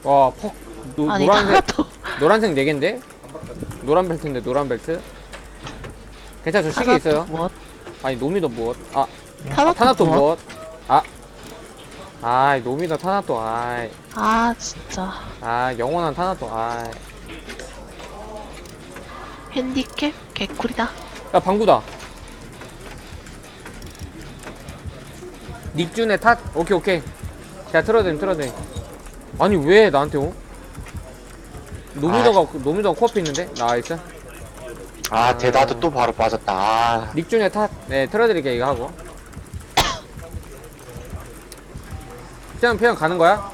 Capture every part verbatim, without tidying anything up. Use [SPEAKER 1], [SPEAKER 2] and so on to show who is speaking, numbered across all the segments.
[SPEAKER 1] 와, 퍽. 노,
[SPEAKER 2] 아니
[SPEAKER 1] 노란색,
[SPEAKER 2] 타나토
[SPEAKER 1] 노란색 네 개인데? 노란 벨트인데, 노란 벨트? 괜찮아, 저 시계
[SPEAKER 2] 타나토
[SPEAKER 1] 있어요.
[SPEAKER 2] 무엇?
[SPEAKER 1] 아니, 노미더 무엇? 아,
[SPEAKER 2] 타나토,
[SPEAKER 1] 아 타나토
[SPEAKER 2] 무엇?
[SPEAKER 1] 무엇? 아. 아이, 노미더 타나토, 아이.
[SPEAKER 2] 아 진짜
[SPEAKER 1] 아, 영원한 타나토, 아이.
[SPEAKER 2] 핸디캡 개꿀이다.
[SPEAKER 1] 야, 방구다. 닉준의 탓? 오케이, 오케이. 제가 틀어드림, 틀어드림. 아니, 왜 나한테 오? 노미더가, 노미더가 코앞에 있는데? 나이스.
[SPEAKER 3] 아, 대다도 또 바로 빠졌다. 아,
[SPEAKER 1] 닉준의 탓, 네, 틀어드릴게, 이거 하고. 그냥, 그냥 가는 거야?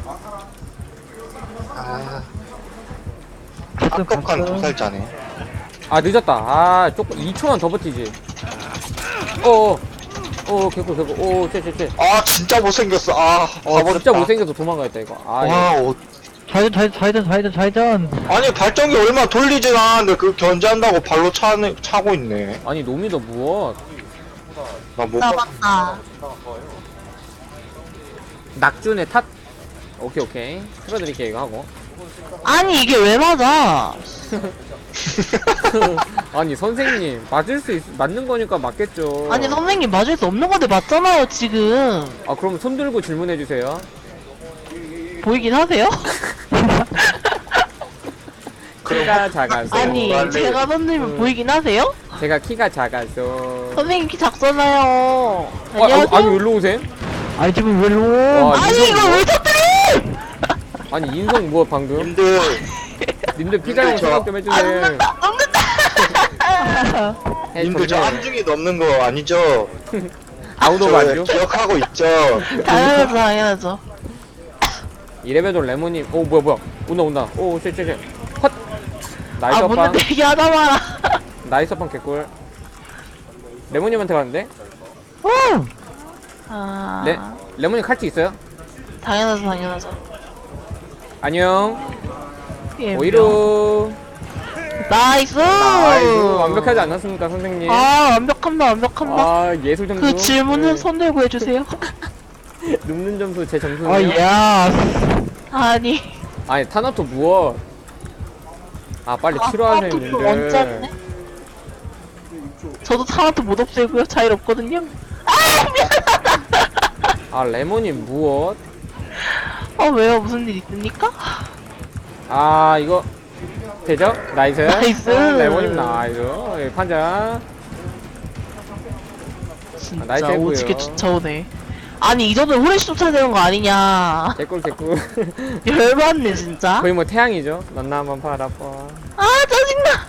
[SPEAKER 3] 아. 합격한 두 살짜네.
[SPEAKER 1] 아, 늦었다. 아, 조금, 이 초만 더 버티지. 어어. 어, 개꿀, 개꿀. 오, 쟤, 쟤, 쟤.
[SPEAKER 3] 아, 진짜 못생겼어. 아,
[SPEAKER 1] 어,
[SPEAKER 3] 가버렸다.
[SPEAKER 1] 진짜 못생겨서 도망가겠다, 이거. 아, 이거.
[SPEAKER 3] 와, 어,
[SPEAKER 4] 좌회전 좌회전 좌회전 좌회전 좌회전.
[SPEAKER 3] 아니, 발전기 얼마 돌리진 않았는데, 그 견제한다고 발로 차는, 차고 있네.
[SPEAKER 1] 아니, 노미더 무엇?
[SPEAKER 3] 나 못,
[SPEAKER 2] 나
[SPEAKER 3] 봐.
[SPEAKER 2] 맞다.
[SPEAKER 1] 낙준의 탓? 오케이, 오케이. 틀어드릴게, 이거 하고.
[SPEAKER 2] 아니 이게 왜 맞아?
[SPEAKER 1] 아니, 선생님. 맞을 수 있, 맞는 거니까 맞겠죠.
[SPEAKER 2] 아니 선생님 맞을 수 없는 건데 맞잖아요 지금.
[SPEAKER 1] 아, 그럼 손 들고 질문해주세요.
[SPEAKER 2] 보이긴 하세요?
[SPEAKER 1] 키가 작아서.
[SPEAKER 2] 아니
[SPEAKER 3] 원래-
[SPEAKER 2] 제가 선생님
[SPEAKER 1] 음.
[SPEAKER 2] 보이긴 하세요?
[SPEAKER 1] 제가 키가 작아서.
[SPEAKER 2] 선생님 키 작잖아요.
[SPEAKER 1] 아,
[SPEAKER 2] 안녕하세요?
[SPEAKER 1] 아니, 아니, 일로 오세요?
[SPEAKER 4] 아니 지금 왜 로?
[SPEAKER 1] 와,
[SPEAKER 2] 아니
[SPEAKER 1] 인성
[SPEAKER 2] 이거
[SPEAKER 1] 뭐?
[SPEAKER 2] 왜 터뜨려?
[SPEAKER 1] 아니, 인성 뭐, 방금?
[SPEAKER 3] 님들,
[SPEAKER 1] 님들 피자용
[SPEAKER 3] 저-
[SPEAKER 1] 생각 좀 해주세요.
[SPEAKER 2] 안 넘는다.
[SPEAKER 1] 해,
[SPEAKER 3] 님들 저
[SPEAKER 1] 좋네요.
[SPEAKER 3] 안중이 넘는 거 아니죠?
[SPEAKER 1] 아우도
[SPEAKER 3] 저
[SPEAKER 1] 맞죠?
[SPEAKER 3] 기억하고 있죠?
[SPEAKER 2] 당연하죠 당연하죠.
[SPEAKER 1] 이레벨도 레몬님. 오, 뭐야, 뭐야. 온다, 온다. 오, 쎄, 쎄, 쎄. 헛! 나이스
[SPEAKER 2] 아
[SPEAKER 1] 업방.
[SPEAKER 2] 뭔데 되게 하다 마라.
[SPEAKER 1] 나이스 업방 개꿀. 레몬님한테 갔는데?
[SPEAKER 4] 어.
[SPEAKER 2] 아
[SPEAKER 1] 레, 레몬님 칼치 있어요?
[SPEAKER 2] 당연하죠 당연하죠.
[SPEAKER 1] 안녕.
[SPEAKER 2] 예,
[SPEAKER 1] 오이루.
[SPEAKER 2] 나이스.
[SPEAKER 1] 나이스. 완벽하지 않았습니까, 선생님?
[SPEAKER 2] 아 완벽합니다 완벽합니다.
[SPEAKER 1] 아, 예술 점수.
[SPEAKER 2] 그 질문은
[SPEAKER 1] 네.
[SPEAKER 2] 손 들고 해주세요.
[SPEAKER 1] 눕는 점수 제 점수네요.
[SPEAKER 4] 아 야.
[SPEAKER 2] 아니
[SPEAKER 1] 아니, 타나토 무엇? 아, 빨리 치료하세요,
[SPEAKER 2] 또
[SPEAKER 1] 님들.
[SPEAKER 2] 원짜리네. 저도 타나토 못 없애고요. 자일 없거든요.
[SPEAKER 1] 아, 레몬님 무엇?
[SPEAKER 2] 어 왜요? 무슨 일 있습니까?
[SPEAKER 1] 아, 이거 되죠? 나이스.
[SPEAKER 2] 나이스.
[SPEAKER 1] 어, 레몬님 나이스. 예, 판자.
[SPEAKER 2] 진짜
[SPEAKER 1] 나이스 했고요.
[SPEAKER 2] 오지게 쫓아오네. 아니 이 정도면 후레쉬 쫓아야 되는 거 아니냐.
[SPEAKER 1] 개꿀 개꿀.
[SPEAKER 2] 열받네 진짜.
[SPEAKER 1] 거의 뭐 태양이죠. 넌 나만 바라봐.
[SPEAKER 2] 아 짜증나.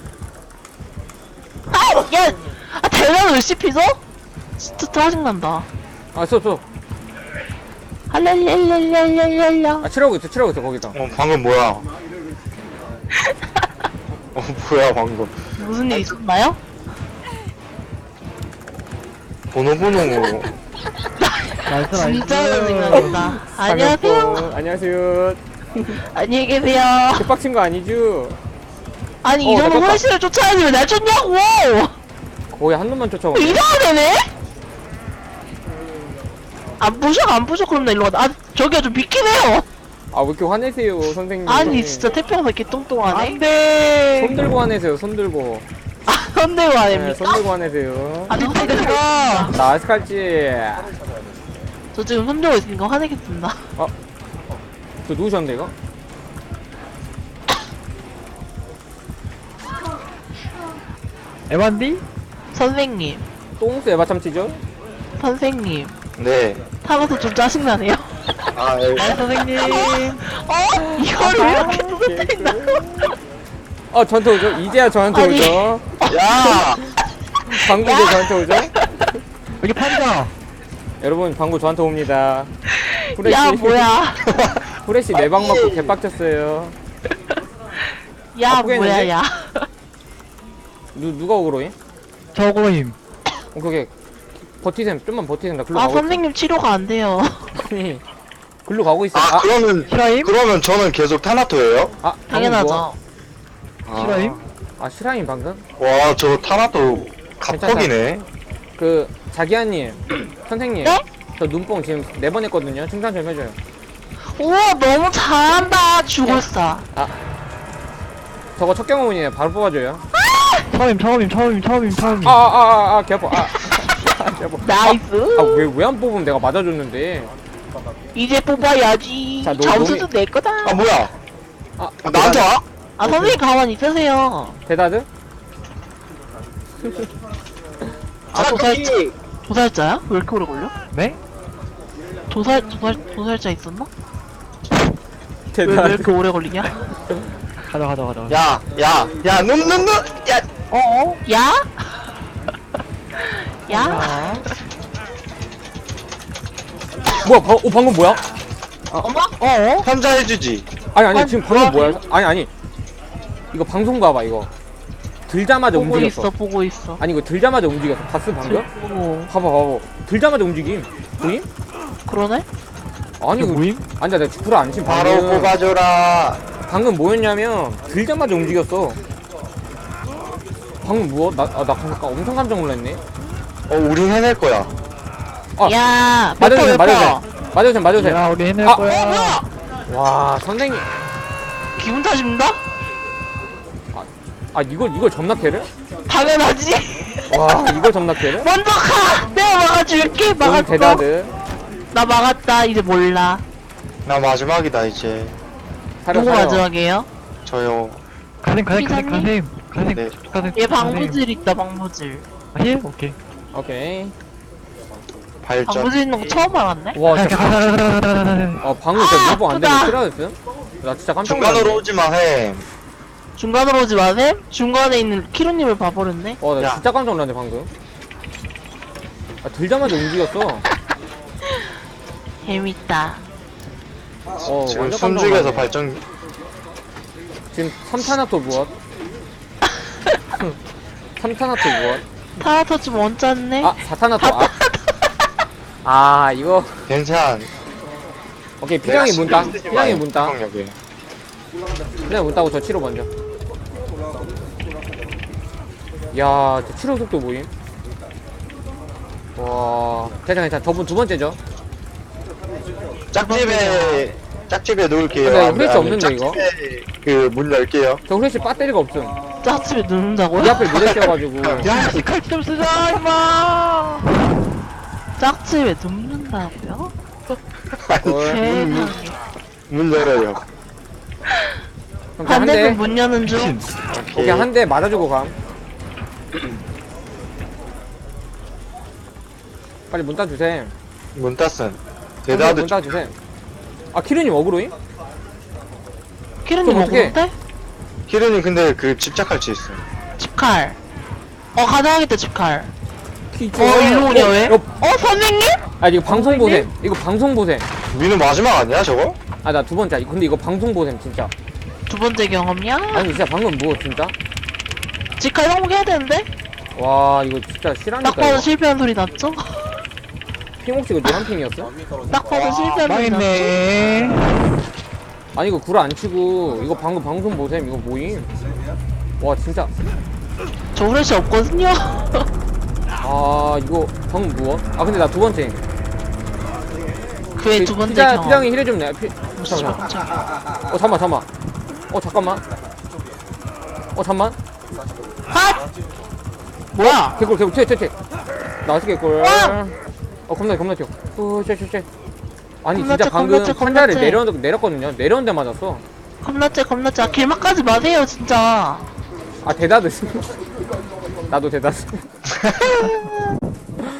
[SPEAKER 2] 아 야. 아 대단한 왜 씹히죠? 진짜 짜증난다.
[SPEAKER 1] 아, 쏘, 쏘.
[SPEAKER 2] 할랄랄랄랄랄랄라.
[SPEAKER 1] 아, 치러오고 있어, 치러오고 있어, 거기다.
[SPEAKER 3] 어, 방금 뭐야? 어, 뭐야, 방금.
[SPEAKER 2] 무슨 일 있었나요?
[SPEAKER 3] 번호 번호.
[SPEAKER 4] 나이스
[SPEAKER 2] 진짜
[SPEAKER 4] 나이스.
[SPEAKER 2] 짜증난다. 안녕하세요.
[SPEAKER 1] 반갑고. 안녕하세요.
[SPEAKER 2] 안녕히 계세요.
[SPEAKER 1] 개빡친 거 아니죠?
[SPEAKER 2] 아니
[SPEAKER 1] 어,
[SPEAKER 2] 이 정도
[SPEAKER 1] 나
[SPEAKER 2] 후레쉬를 쫓아야지 왜 날 쫓냐고.
[SPEAKER 1] 거의 한 놈만 쫓아오네.
[SPEAKER 2] 이상하네. 안 부셔 안 부셔 그럼 나 일로 가다. 아 저기요 좀 비키네요.
[SPEAKER 1] 아, 왜 이렇게 화내세요, 선생님.
[SPEAKER 2] 아니 진짜 태평사 개똥똥하네.
[SPEAKER 4] 안돼.
[SPEAKER 1] 손 들고 화내세요, 손 들고.
[SPEAKER 2] 아 손대고 안
[SPEAKER 1] 네,
[SPEAKER 2] 됩니까?
[SPEAKER 1] 손 들고 화내세요.
[SPEAKER 2] 아 손대가.
[SPEAKER 1] 나이스 칼치.
[SPEAKER 2] 저 지금 손대고 있으니까 화내겠습니다.
[SPEAKER 1] 저 누우셨는데, 이거?
[SPEAKER 4] 에반디?
[SPEAKER 2] 선생님
[SPEAKER 1] 똥스 에바 참치죠?
[SPEAKER 2] 선생님
[SPEAKER 3] 네.
[SPEAKER 2] 타면서 좀 짜증나네요.
[SPEAKER 3] 아, 예.
[SPEAKER 4] 아 선생님.
[SPEAKER 2] 어? 이걸 왜 이렇게 뜯어뜨린다고?
[SPEAKER 1] 어, 저한테 오죠? 이제야 저한테
[SPEAKER 2] 아니.
[SPEAKER 1] 오죠?
[SPEAKER 3] 야!
[SPEAKER 1] 방구 이제 저한테 오죠?
[SPEAKER 4] 여기 판자.
[SPEAKER 1] 여러분, 방구 저한테 옵니다. 후레쉬.
[SPEAKER 2] 야 뭐야?
[SPEAKER 1] 후레쉬 네 방 맞고 개빡쳤어요.
[SPEAKER 2] 야
[SPEAKER 1] 아프겠는데?
[SPEAKER 2] 뭐야 야?
[SPEAKER 1] 누, 누가 오그로임?
[SPEAKER 4] 저거임.
[SPEAKER 1] 어, 그게, 버티셈, 좀만 버티셈. 나 글로
[SPEAKER 2] 아
[SPEAKER 1] 가고
[SPEAKER 2] 선생님 치료가 안 돼요.
[SPEAKER 1] 있어. 아니, 글로 가고 있어.
[SPEAKER 3] 아, 그러면,
[SPEAKER 4] 실화임?
[SPEAKER 3] 그러면 저는 계속 타나토예요?
[SPEAKER 1] 아, 방금
[SPEAKER 2] 당연하죠.
[SPEAKER 1] 누워?
[SPEAKER 4] 실화임?
[SPEAKER 1] 아, 실화임 방금?
[SPEAKER 3] 와, 저 타나토 갑폭이네.
[SPEAKER 1] 그, 자기야님, 선생님.
[SPEAKER 2] 네?
[SPEAKER 1] 저 눈뽕 지금 네 번 했거든요. 칭찬 좀 해줘요.
[SPEAKER 2] 우와 너무 잘한다 죽을사.
[SPEAKER 1] 저거 첫 경험이네. 바로 뽑아줘요.
[SPEAKER 4] 처음임, 처음임, 처음임, 처음임, 처음임.
[SPEAKER 1] 아, 아, 아, 아, 개 아파. 아, 아, 개 아파.
[SPEAKER 2] 나이스.
[SPEAKER 1] 아, 왜, 왜 안 뽑으면 내가 맞아줬는데.
[SPEAKER 2] 이제 뽑아야지.
[SPEAKER 1] 자, 노-
[SPEAKER 2] 점수도
[SPEAKER 1] 노미-
[SPEAKER 2] 내 거다.
[SPEAKER 3] 아 뭐야?
[SPEAKER 1] 아,
[SPEAKER 3] 아, 나한테 와?
[SPEAKER 2] 아 선생님 가만히 있으세요.
[SPEAKER 1] 대다드?
[SPEAKER 2] 아 도살자 도살자야? 왜 이렇게 오래 걸려?
[SPEAKER 4] 네?
[SPEAKER 2] 도살 도살 도살자 있었나? 왜, 왜
[SPEAKER 1] 대다드.
[SPEAKER 2] 이렇게 오래 걸리냐?
[SPEAKER 4] 가자, 가자, 가자.
[SPEAKER 3] 야, 야, 야, 눈, 눈, 눈, 야,
[SPEAKER 2] 어어? 야? 야?
[SPEAKER 1] 뭐야, 바, 어, 방금 뭐야?
[SPEAKER 2] 어머? 어어?
[SPEAKER 3] 혼자 해주지.
[SPEAKER 1] 아니, 아니,
[SPEAKER 2] 아니,
[SPEAKER 1] 지금 방금
[SPEAKER 2] 뭐야?
[SPEAKER 1] 뭐야? 아니, 아니. 이거 방송 봐봐, 이거. 들자마자
[SPEAKER 2] 보고
[SPEAKER 1] 움직였어.
[SPEAKER 2] 있어 보고 있어.
[SPEAKER 1] 아니, 이거 들자마자 움직였어. 봤어, 방금?
[SPEAKER 2] 오
[SPEAKER 1] 봐봐, 봐봐. 들자마자 움직임. 보임?
[SPEAKER 2] 그러네?
[SPEAKER 1] 아니,
[SPEAKER 4] 이거
[SPEAKER 1] 이거
[SPEAKER 4] 모임?
[SPEAKER 1] 아니, 나 구라 안 친.
[SPEAKER 3] 바로
[SPEAKER 1] 방금.
[SPEAKER 3] 뽑아줘라.
[SPEAKER 1] 방금 뭐였냐면, 들자마자 움직였어. 방금 뭐? 나, 아, 나 잠깐 엄청 깜짝 놀랐네.
[SPEAKER 3] 어, 우린 해낼 거야.
[SPEAKER 1] 아,
[SPEAKER 2] 야
[SPEAKER 1] 맞아주세요,
[SPEAKER 2] 몇 퍼, 몇
[SPEAKER 1] 맞아주세요.
[SPEAKER 2] 퍼?
[SPEAKER 1] 맞아주세요, 맞아주세요.
[SPEAKER 4] 야, 우리 해낼
[SPEAKER 1] 아,
[SPEAKER 4] 거야.
[SPEAKER 1] 와, 선생님.
[SPEAKER 2] 기분 탓입니다?
[SPEAKER 1] 아, 이걸, 이걸 점납해를?
[SPEAKER 2] 당연하지.
[SPEAKER 1] 와, 이걸 점납해를?
[SPEAKER 2] 먼저 가. 내가 막아줄게.
[SPEAKER 1] 너무
[SPEAKER 2] 막았어.
[SPEAKER 1] 대다드.
[SPEAKER 2] 나 막았다. 이제 몰라.
[SPEAKER 3] 나 마지막이다, 이제.
[SPEAKER 1] 사려,
[SPEAKER 2] 누구
[SPEAKER 1] 사려.
[SPEAKER 2] 마지막이에요?
[SPEAKER 3] 저요.
[SPEAKER 4] 가셈, 가셈, 가셈,
[SPEAKER 2] 피자님?
[SPEAKER 4] 가셈.
[SPEAKER 3] 네.
[SPEAKER 4] 가셈, 가셈.
[SPEAKER 2] 얘 방부질 있다. 방부질.
[SPEAKER 4] 아, 힐? 오케이.
[SPEAKER 1] 오케이.
[SPEAKER 3] 발전.
[SPEAKER 2] 방부질 있는 거 처음 알았네.
[SPEAKER 1] 와,
[SPEAKER 4] 가자,
[SPEAKER 1] 진짜.
[SPEAKER 4] 가자, 가자, 가자, 가자, 가자.
[SPEAKER 1] 어, 방금 진짜 무브 안 되면
[SPEAKER 2] 크다.
[SPEAKER 1] 싫어졌음? 나 진짜 깜짝
[SPEAKER 3] 중간으로
[SPEAKER 1] 놀랐네.
[SPEAKER 3] 오지 마, 해.
[SPEAKER 2] 중간으로 오지 마셈. 중간에 있는 키로님을 봐버렸네.
[SPEAKER 1] 어, 나
[SPEAKER 3] 야.
[SPEAKER 1] 진짜 깜짝 놀랐네, 방금. 아, 들자마자 움직였어.
[SPEAKER 2] 재밌다.
[SPEAKER 1] 어,
[SPEAKER 3] 지금
[SPEAKER 1] 완전
[SPEAKER 3] 숨죽여서
[SPEAKER 1] 깜짝 놀랐네.
[SPEAKER 3] 발전.
[SPEAKER 1] 지금 삼 탄화토 무엇? 삼 탄화토 무엇?
[SPEAKER 2] 타라토 좀 원짰네.
[SPEAKER 1] 아, 사 탄화토. 아. 아, 이거.
[SPEAKER 3] 괜찮.
[SPEAKER 1] 오케이, 피랑이 문따. 피랑이 문따.
[SPEAKER 3] 여기.
[SPEAKER 1] 피랑이 문따고 저 치료 먼저. 야, 저 치료 속도 뭐임? 와, 괜찮아, 괜찮아. 저분 두 번째죠?
[SPEAKER 3] 짝집에, 짝집에 놓을게요.
[SPEAKER 1] 근데
[SPEAKER 3] 아니면-
[SPEAKER 1] 후레쉬
[SPEAKER 3] 아니면
[SPEAKER 1] 없는데, 이거?
[SPEAKER 3] 짝집에 그문 열게요.
[SPEAKER 1] 저 후레쉬 배터리가 없음.
[SPEAKER 2] 짜집에 넣는다고요?
[SPEAKER 1] 이 앞에 무대 씌워가지고.
[SPEAKER 4] 야, 시칼 좀 쓰자, 임마!
[SPEAKER 2] 짝집에 눕는다고요?
[SPEAKER 3] 아니,
[SPEAKER 1] 헐.
[SPEAKER 2] 세상에.
[SPEAKER 3] 문 열어요.
[SPEAKER 1] 그럼 그냥 한 대.
[SPEAKER 2] 반대편 문 여는 중.
[SPEAKER 1] 오케이, 한 대 맞아주고 감. 빨리 문 따주셈.
[SPEAKER 3] 문 땄음.
[SPEAKER 1] 문
[SPEAKER 3] 대다드
[SPEAKER 1] 따주셈. 아, 키르님 어그로임?
[SPEAKER 2] 키르님
[SPEAKER 1] 그럼 어떡해?
[SPEAKER 2] 먹었대?
[SPEAKER 3] 키르님 근데 그 집착할 수 있어.
[SPEAKER 2] 집칼. 어 가져가겠다 집칼.
[SPEAKER 1] 키,
[SPEAKER 2] 어 일로 오냐 왜?
[SPEAKER 1] 어,
[SPEAKER 2] 어 선생님?
[SPEAKER 1] 아, 이거 방송 보셈. 이거 방송 보셈.
[SPEAKER 3] 민우 마지막 아니야 저거?
[SPEAKER 1] 아, 나 두 번째. 근데 이거 방송 보셈, 진짜.
[SPEAKER 2] 두 번째 경험이야?
[SPEAKER 1] 아니, 진짜 방금 뭐, 진짜?
[SPEAKER 2] 집칼 성공해야 되는데?
[SPEAKER 1] 와, 이거 진짜
[SPEAKER 2] 딱
[SPEAKER 1] 실하니까.
[SPEAKER 2] 봐도
[SPEAKER 1] 이거.
[SPEAKER 2] 실패한 소리 났죠?
[SPEAKER 1] 핑 혹시 이거 노란 핑이었어?
[SPEAKER 2] 딱 봐도 실패한 소리 났죠?
[SPEAKER 4] 망했네.
[SPEAKER 1] 아니, 이거 구라 안 치고, 이거 방금 방송 보셈. 이거 뭐임? 와, 진짜.
[SPEAKER 2] 저 후레쉬 없거든요?
[SPEAKER 1] 아, 이거 방금 무엇? 아, 근데 나 두 번째.
[SPEAKER 2] 그의 두 번째
[SPEAKER 1] 피자,
[SPEAKER 2] 경험.
[SPEAKER 1] 피장이 힐해 좀 내. 피...
[SPEAKER 2] 씨발,
[SPEAKER 1] 잠깐만.
[SPEAKER 2] 깜짝이야.
[SPEAKER 1] 어, 잠만, 잠만. 어, 잠깐만. 어, 잠만.
[SPEAKER 2] 핫! 뭐야?
[SPEAKER 1] 개꿀, 개꿀, 튀어, 튀어, 튀어. 나이스 개꿀.
[SPEAKER 2] 와!
[SPEAKER 1] 어, 겁나, 겁나 튀어. 어, 쉣, 쉣, 쉣. 아니,
[SPEAKER 2] 겁났지,
[SPEAKER 1] 진짜 방금
[SPEAKER 2] 겁났지,
[SPEAKER 1] 판자를
[SPEAKER 2] 겁났지.
[SPEAKER 1] 내려, 내렸거든요. 내렸는데 맞았어.
[SPEAKER 2] 겁났지 겁났지. 아, 길막 가지 마세요 진짜.
[SPEAKER 1] 아, 대다드. 나도 대다드.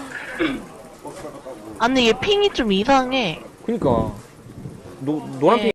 [SPEAKER 2] 아니 얘 핑이 좀 이상해.
[SPEAKER 1] 그니까. 노, 노란 핑.